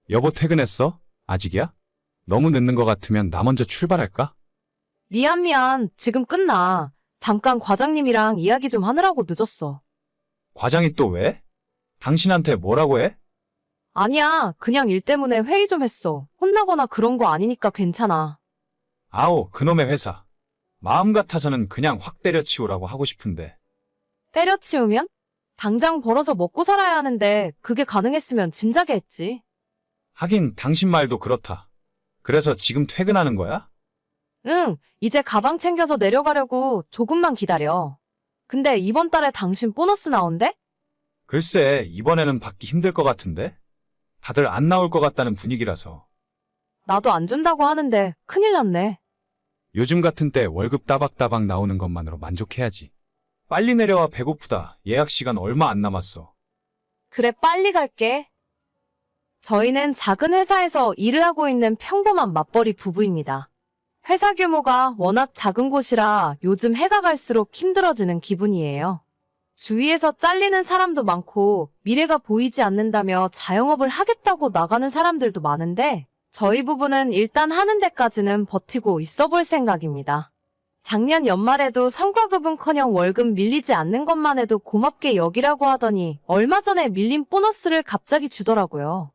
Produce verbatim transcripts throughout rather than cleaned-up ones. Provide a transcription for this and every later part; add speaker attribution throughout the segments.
Speaker 1: 여보 퇴근했어? 아직이야? 너무 늦는 것 같으면 나 먼저 출발할까?
Speaker 2: 미안, 미안. 지금 끝나. 잠깐 과장님이랑 이야기 좀 하느라고 늦었어.
Speaker 1: 과장이 또 왜? 당신한테 뭐라고 해?
Speaker 2: 아니야. 그냥 일 때문에 회의 좀 했어. 혼나거나 그런 거 아니니까 괜찮아.
Speaker 1: 아오, 그놈의 회사. 마음 같아서는 그냥 확 때려치우라고 하고 싶은데.
Speaker 2: 때려치우면? 당장 벌어서 먹고 살아야 하는데 그게 가능했으면 진작에 했지.
Speaker 1: 하긴 당신 말도 그렇다. 그래서 지금 퇴근하는 거야?
Speaker 2: 응, 이제 가방 챙겨서 내려가려고. 조금만 기다려. 근데 이번 달에 당신 보너스 나온대?
Speaker 1: 글쎄, 이번에는 받기 힘들 것 같은데? 다들 안 나올 것 같다는 분위기라서.
Speaker 2: 나도 안 준다고 하는데 큰일 났네.
Speaker 1: 요즘 같은 때 월급 따박따박 나오는 것만으로 만족해야지. 빨리 내려와, 배고프다. 예약 시간 얼마 안 남았어.
Speaker 2: 그래, 빨리 갈게. 저희는 작은 회사에서 일을 하고 있는 평범한 맞벌이 부부입니다. 회사 규모가 워낙 작은 곳이라 요즘 해가 갈수록 힘들어지는 기분이에요. 주위에서 잘리는 사람도 많고 미래가 보이지 않는다며 자영업을 하겠다고 나가는 사람들도 많은데 저희 부부는 일단 하는 데까지는 버티고 있어 볼 생각입니다. 작년 연말에도 성과급은커녕 월급 밀리지 않는 것만 해도 고맙게 여기라고 하더니 얼마 전에 밀린 보너스를 갑자기 주더라고요.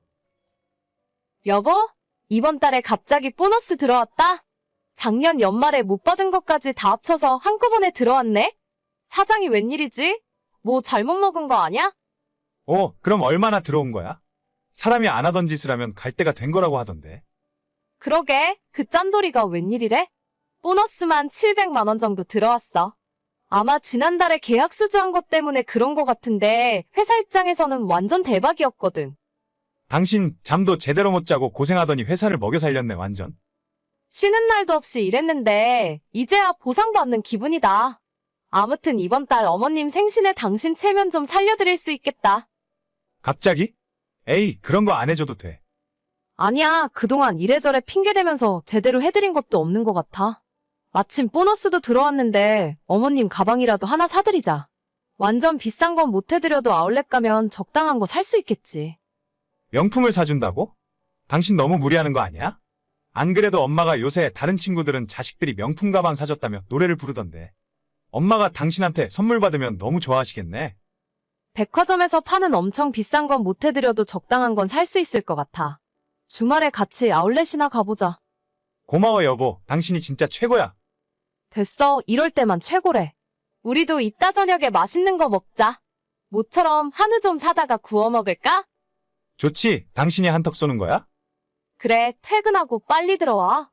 Speaker 2: 여보, 이번 달에 갑자기 보너스 들어왔다? 작년 연말에 못 받은 것까지 다 합쳐서 한꺼번에 들어왔네? 사장이 웬일이지? 뭐 잘못 먹은 거 아냐?
Speaker 1: 어, 그럼 얼마나 들어온 거야? 사람이 안 하던 짓을 하면 갈 때가 된 거라고 하던데.
Speaker 2: 그러게, 그 짠돌이가 웬일이래? 보너스만 칠백만 원 정도 들어왔어. 아마 지난달에 계약 수주한 것 때문에 그런 거 같은데 회사 입장에서는 완전 대박이었거든.
Speaker 1: 당신 잠도 제대로 못 자고 고생하더니 회사를 먹여 살렸네, 완전.
Speaker 2: 쉬는 날도 없이 일했는데 이제야 보상받는 기분이다. 아무튼 이번 달 어머님 생신에 당신 체면 좀 살려드릴 수 있겠다.
Speaker 1: 갑자기? 에이, 그런 거 안 해줘도 돼.
Speaker 2: 아니야, 그동안 이래저래 핑계대면서 제대로 해드린 것도 없는 것 같아. 마침 보너스도 들어왔는데 어머님 가방이라도 하나 사드리자. 완전 비싼 건 못 해드려도 아울렛 가면 적당한 거 살 수 있겠지.
Speaker 1: 명품을 사준다고? 당신 너무 무리하는 거 아니야? 안 그래도 엄마가 요새 다른 친구들은 자식들이 명품 가방 사줬다며 노래를 부르던데. 엄마가 당신한테 선물 받으면 너무 좋아하시겠네.
Speaker 2: 백화점에서 파는 엄청 비싼 건 못 해드려도 적당한 건 살 수 있을 것 같아. 주말에 같이 아울렛이나 가보자.
Speaker 1: 고마워, 여보. 당신이 진짜 최고야.
Speaker 2: 됐어, 이럴 때만 최고래. 우리도 이따 저녁에 맛있는 거 먹자. 모처럼 한우 좀 사다가 구워 먹을까?
Speaker 1: 좋지? 당신이 한턱 쏘는 거야?
Speaker 2: 그래, 퇴근하고 빨리 들어와.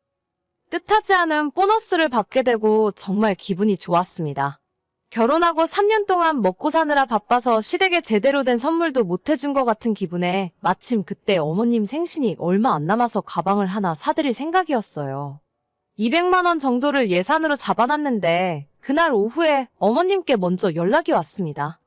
Speaker 2: 뜻하지 않은 보너스를 받게 되고 정말 기분이 좋았습니다. 결혼하고 삼 년 동안 먹고 사느라 바빠서 시댁에 제대로 된 선물도 못 해준 것 같은 기분에 마침 그때 어머님 생신이 얼마 안 남아서 가방을 하나 사드릴 생각이었어요. 이백만 원 정도를 예산으로 잡아놨는데 그날 오후에 어머님께 먼저 연락이 왔습니다.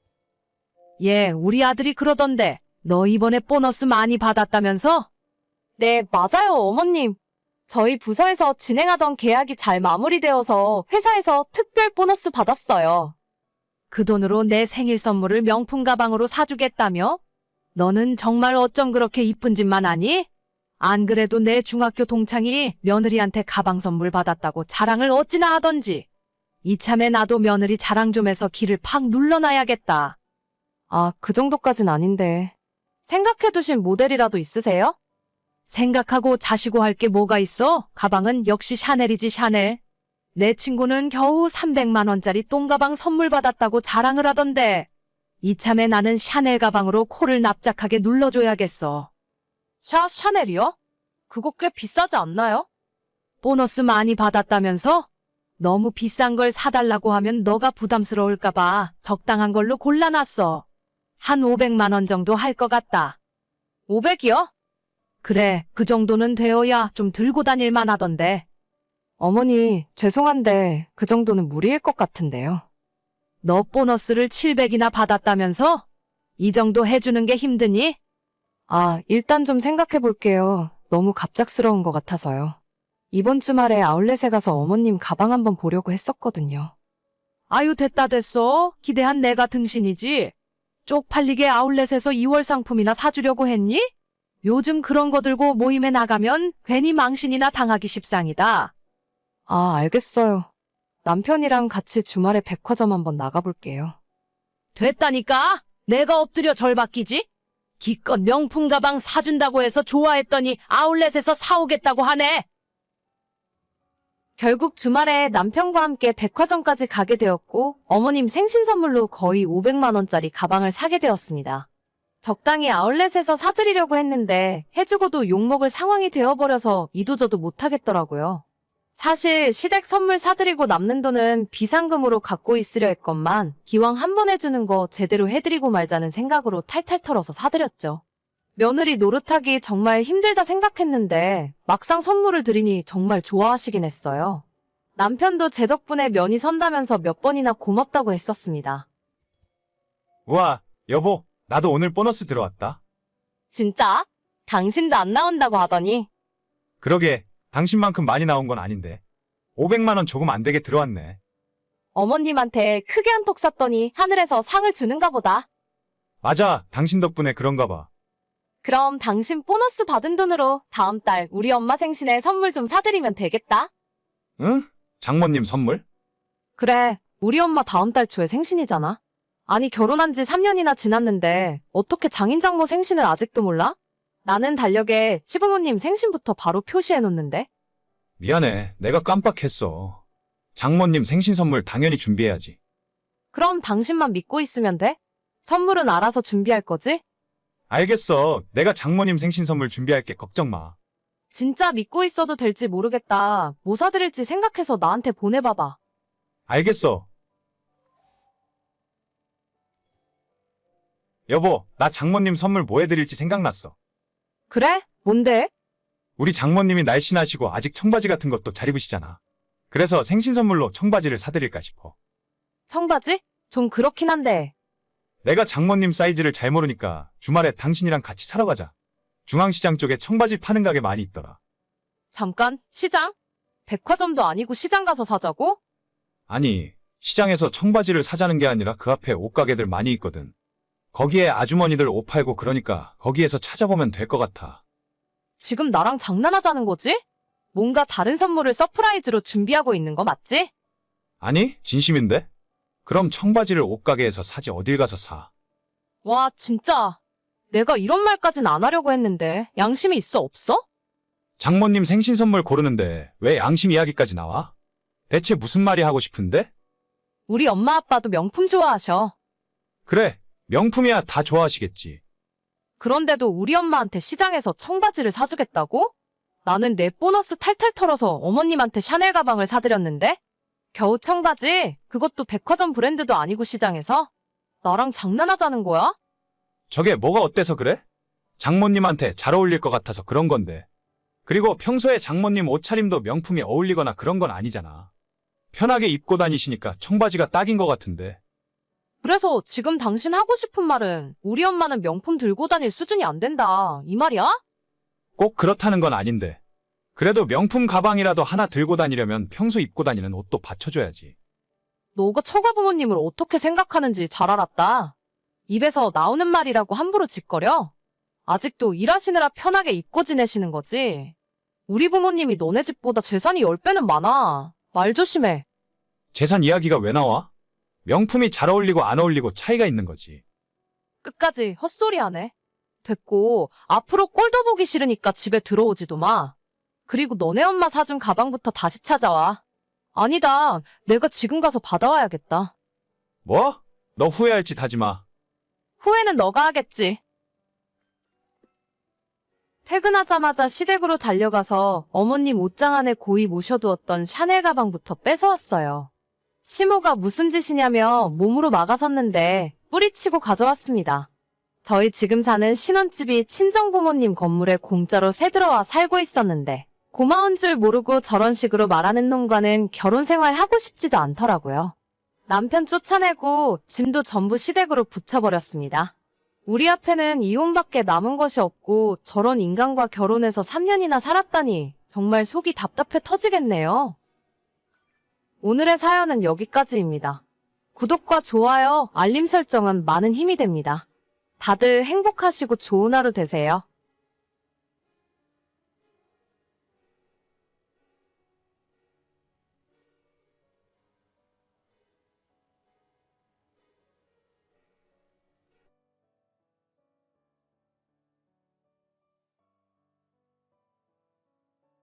Speaker 3: 예, 우리 아들이 그러던데 너 이번에 보너스 많이 받았다면서?
Speaker 2: 네, 맞아요, 어머님. 저희 부서에서 진행하던 계약이 잘 마무리되어서 회사에서 특별 보너스 받았어요.
Speaker 3: 그 돈으로 내 생일 선물을 명품 가방으로 사주겠다며? 너는 정말 어쩜 그렇게 이쁜 짓만 하니? 안 그래도 내 중학교 동창이 며느리한테 가방 선물 받았다고 자랑을 어찌나 하던지. 이참에 나도 며느리 자랑 좀 해서 기를 팍 눌러놔야겠다.
Speaker 2: 아, 그 정도까진 아닌데. 생각해두신 모델이라도 있으세요?
Speaker 3: 생각하고 자시고 할 게 뭐가 있어? 가방은 역시 샤넬이지, 샤넬. 내 친구는 겨우 삼백만 원짜리 똥가방 선물 받았다고 자랑을 하던데 이참에 나는 샤넬 가방으로 코를 납작하게 눌러줘야겠어.
Speaker 2: 샤, 샤넬이요? 그거 꽤 비싸지 않나요?
Speaker 3: 보너스 많이 받았다면서? 너무 비싼 걸 사달라고 하면 너가 부담스러울까봐 적당한 걸로 골라놨어. 한 오백만 원 정도 할 것 같다.
Speaker 2: 오백이요?
Speaker 3: 그래, 그 정도는 되어야 좀 들고 다닐만 하던데.
Speaker 2: 어머니, 죄송한데 그 정도는 무리일 것 같은데요.
Speaker 3: 너 보너스를 칠백이나 받았다면서? 이 정도 해주는 게 힘드니?
Speaker 2: 아, 일단 좀 생각해 볼게요. 너무 갑작스러운 것 같아서요. 이번 주말에 아울렛에 가서 어머님 가방 한번 보려고 했었거든요.
Speaker 3: 아유, 됐다 됐어. 기대한 내가 등신이지. 쪽팔리게 아울렛에서 이월 상품이나 사주려고 했니? 요즘 그런 거 들고 모임에 나가면 괜히 망신이나 당하기 십상이다.
Speaker 2: 아, 알겠어요. 남편이랑 같이 주말에 백화점 한번 나가볼게요.
Speaker 3: 됐다니까? 내가 엎드려 절 받기지? 기껏 명품 가방 사준다고 해서 좋아했더니 아울렛에서 사오겠다고 하네.
Speaker 2: 결국 주말에 남편과 함께 백화점까지 가게 되었고 어머님 생신 선물로 거의 오백만 원짜리 가방을 사게 되었습니다. 적당히 아울렛에서 사드리려고 했는데 해주고도 욕먹을 상황이 되어버려서 이도저도 못하겠더라고요. 사실 시댁 선물 사드리고 남는 돈은 비상금으로 갖고 있으려 했건만 기왕 한 번 해주는 거 제대로 해드리고 말자는 생각으로 탈탈 털어서 사드렸죠. 며느리 노릇하기 정말 힘들다 생각했는데 막상 선물을 드리니 정말 좋아하시긴 했어요. 남편도 제 덕분에 면이 선다면서 몇 번이나 고맙다고 했었습니다.
Speaker 1: 우와, 여보, 나도 오늘 보너스 들어왔다.
Speaker 2: 진짜? 당신도 안 나온다고 하더니.
Speaker 1: 그러게, 당신만큼 많이 나온 건 아닌데. 오백만 원 조금 안 되게 들어왔네.
Speaker 2: 어머님한테 크게 한턱 쐈더니 하늘에서 상을 주는가 보다.
Speaker 1: 맞아, 당신 덕분에 그런가 봐.
Speaker 2: 그럼 당신 보너스 받은 돈으로 다음 달 우리 엄마 생신에 선물 좀 사드리면 되겠다.
Speaker 1: 응? 장모님 선물?
Speaker 2: 그래, 우리 엄마 다음 달 초에 생신이잖아. 아니, 결혼한 지 삼 년이나 지났는데 어떻게 장인장모 생신을 아직도 몰라? 나는 달력에 시부모님 생신부터 바로 표시해놓는데.
Speaker 1: 미안해, 내가 깜빡했어. 장모님 생신 선물 당연히 준비해야지.
Speaker 2: 그럼 당신만 믿고 있으면 돼? 선물은 알아서 준비할 거지?
Speaker 1: 알겠어, 내가 장모님 생신 선물 준비할게, 걱정 마.
Speaker 2: 진짜 믿고 있어도 될지 모르겠다. 뭐 사드릴지 생각해서 나한테 보내봐봐.
Speaker 1: 알겠어. 여보, 나 장모님 선물 뭐 해드릴지 생각났어.
Speaker 2: 그래? 뭔데?
Speaker 1: 우리 장모님이 날씬하시고 아직 청바지 같은 것도 잘 입으시잖아. 그래서 생신 선물로 청바지를 사드릴까 싶어.
Speaker 2: 청바지? 좀 그렇긴 한데.
Speaker 1: 내가 장모님 사이즈를 잘 모르니까 주말에 당신이랑 같이 사러 가자. 중앙시장 쪽에 청바지 파는 가게 많이 있더라.
Speaker 2: 잠깐, 시장? 백화점도 아니고 시장 가서 사자고?
Speaker 1: 아니, 시장에서 청바지를 사자는 게 아니라 그 앞에 옷가게들 많이 있거든. 거기에 아주머니들 옷 팔고 그러니까 거기에서 찾아보면 될 것 같아.
Speaker 2: 지금 나랑 장난하자는 거지? 뭔가 다른 선물을 서프라이즈로 준비하고 있는 거 맞지?
Speaker 1: 아니, 진심인데? 그럼 청바지를 옷가게에서 사지 어딜 가서 사.
Speaker 2: 와, 진짜. 내가 이런 말까진 안 하려고 했는데 양심이 있어 없어?
Speaker 1: 장모님 생신 선물 고르는데 왜 양심 이야기까지 나와? 대체 무슨 말이 하고 싶은데?
Speaker 2: 우리 엄마 아빠도 명품 좋아하셔.
Speaker 1: 그래, 명품이야 다 좋아하시겠지.
Speaker 2: 그런데도 우리 엄마한테 시장에서 청바지를 사주겠다고? 나는 내 보너스 탈탈 털어서 어머님한테 샤넬 가방을 사드렸는데? 겨우 청바지? 그것도 백화점 브랜드도 아니고 시장에서? 나랑 장난하자는 거야?
Speaker 1: 저게 뭐가 어때서 그래? 장모님한테 잘 어울릴 것 같아서 그런 건데. 그리고 평소에 장모님 옷차림도 명품이 어울리거나 그런 건 아니잖아. 편하게 입고 다니시니까 청바지가 딱인 것 같은데.
Speaker 2: 그래서 지금 당신 하고 싶은 말은 우리 엄마는 명품 들고 다닐 수준이 안 된다. 이 말이야?
Speaker 1: 꼭 그렇다는 건 아닌데. 그래도 명품 가방이라도 하나 들고 다니려면 평소 입고 다니는 옷도 받쳐줘야지.
Speaker 2: 너가 처가 부모님을 어떻게 생각하는지 잘 알았다. 입에서 나오는 말이라고 함부로 짓거려? 아직도 일하시느라 편하게 입고 지내시는 거지? 우리 부모님이 너네 집보다 재산이 열 배는 많아. 말 조심해.
Speaker 1: 재산 이야기가 왜 나와? 명품이 잘 어울리고 안 어울리고 차이가 있는 거지.
Speaker 2: 끝까지 헛소리하네. 됐고, 앞으로 꼴도 보기 싫으니까 집에 들어오지도 마. 그리고 너네 엄마 사준 가방부터 다시 찾아와. 아니다, 내가 지금 가서 받아와야겠다.
Speaker 1: 뭐? 너 후회할 짓 하지 마.
Speaker 2: 후회는 너가 하겠지. 퇴근하자마자 시댁으로 달려가서 어머님 옷장 안에 고이 모셔두었던 샤넬 가방부터 뺏어왔어요. 시모가 무슨 짓이냐며 몸으로 막아섰는데 뿌리치고 가져왔습니다. 저희 지금 사는 신혼집이 친정부모님 건물에 공짜로 새들어와 살고 있었는데 고마운 줄 모르고 저런 식으로 말하는 놈과는 결혼 생활 하고 싶지도 않더라고요. 남편 쫓아내고 짐도 전부 시댁으로 붙여버렸습니다. 우리 앞에는 이혼밖에 남은 것이 없고 저런 인간과 결혼해서 삼 년이나 살았다니 정말 속이 답답해 터지겠네요. 오늘의 사연은 여기까지입니다. 구독과 좋아요, 알림 설정은 많은 힘이 됩니다. 다들 행복하시고 좋은 하루 되세요.